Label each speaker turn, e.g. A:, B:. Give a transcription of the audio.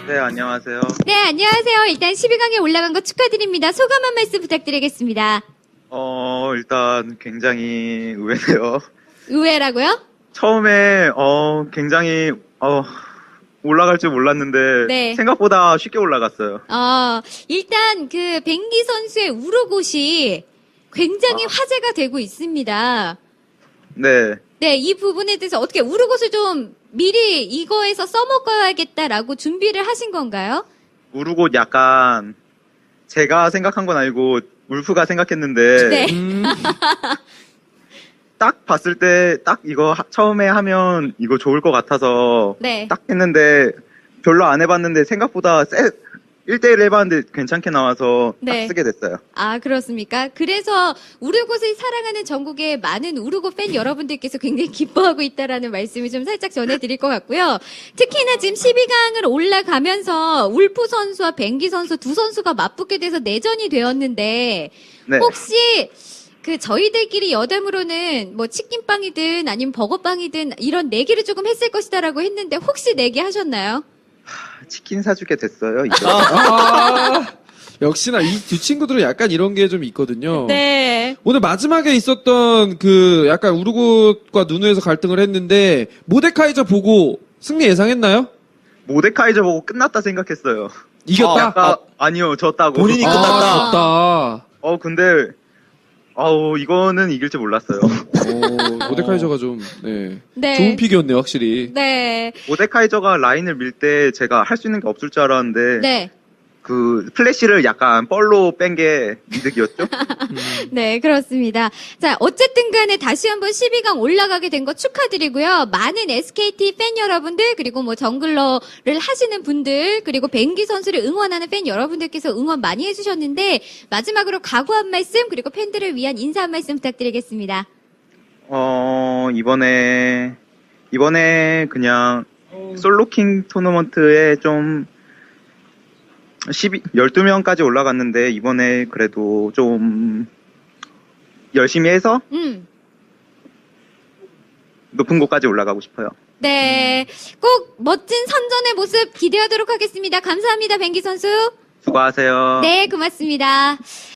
A: 네, 안녕하세요.
B: 네, 안녕하세요. 일단 12강에 올라간 거 축하드립니다. 소감 한 말씀 부탁드리겠습니다.
A: 일단 굉장히 의외네요.
B: 의외라고요?
A: 처음에, 굉장히, 올라갈 줄 몰랐는데,
B: 네.
A: 생각보다 쉽게 올라갔어요.
B: 일단 그 뱅기 선수의 우르곳이 굉장히 화제가 되고 있습니다.
A: 네.
B: 네, 이 부분에 대해서 어떻게 우르곳을 좀 미리 이거에서 써먹어야겠다라고 준비를 하신 건가요?
A: 우르곳 약간, 제가 생각한 건 아니고, 울프가 생각했는데,
B: 네.
A: 딱 봤을 때, 딱 이거 처음에 하면 이거 좋을 것 같아서,
B: 네.
A: 딱 했는데, 별로 안 해봤는데, 생각보다 1대1 해봤는데 괜찮게 나와서
B: 네.
A: 딱 쓰게 됐어요.
B: 아, 그렇습니까? 그래서 우르곳을 사랑하는 전국의 많은 우르곳 팬 여러분들께서 굉장히 기뻐하고 있다라는 말씀을 좀 살짝 전해드릴 것 같고요. 특히나 지금 12강을 올라가면서 울프 선수와 뱅기 선수 두 선수가 맞붙게 돼서 내전이 되었는데
A: 네.
B: 혹시 그 저희들끼리 여담으로는 뭐 치킨빵이든 아니면 버거빵이든 이런 내기를 조금 했을 것이다라고 했는데 혹시 내기 하셨나요?
A: 치킨 사주게 됐어요, 이제.
C: 역시나 이 두 친구들은 약간 이런 게 좀 있거든요.
B: 네.
C: 오늘 마지막에 있었던 그 약간 우르곳과 누누에서 갈등을 했는데 모데카이저 보고 승리 예상했나요?
A: 모데카이저 보고 끝났다 생각했어요.
C: 이겼다?
A: 아니요, 졌다고.
D: 본인이
C: 아,
D: 끝났다.
C: 졌다.
A: 근데, 이거는 이길 줄 몰랐어요.
C: 모데카이저가 좀
B: 네.
C: 좋은 픽이었네요, 확실히.
B: 네.
A: 모데카이저가 라인을 밀 때 제가 할 수 있는 게 없을 줄 알았는데,
B: 네.
A: 그 플래시를 약간 뻘로 뺀 게 이득이었죠?
B: 네, 그렇습니다. 자, 어쨌든 간에 다시 한번 12강 올라가게 된 거 축하드리고요. 많은 SKT 팬 여러분들, 그리고 뭐 정글러를 하시는 분들, 그리고 뱅기 선수를 응원하는 팬 여러분들께서 응원 많이 해주셨는데, 마지막으로 각오 한 말씀, 그리고 팬들을 위한 인사 한 말씀 부탁드리겠습니다.
A: 이번에 그냥 솔로킹 토너먼트에 좀 12명까지 올라갔는데, 이번에 그래도 좀 열심히 해서 높은 곳까지 올라가고 싶어요.
B: 네. 꼭 멋진 선전의 모습 기대하도록 하겠습니다. 감사합니다, 뱅기 선수.
A: 수고하세요.
B: 네, 고맙습니다.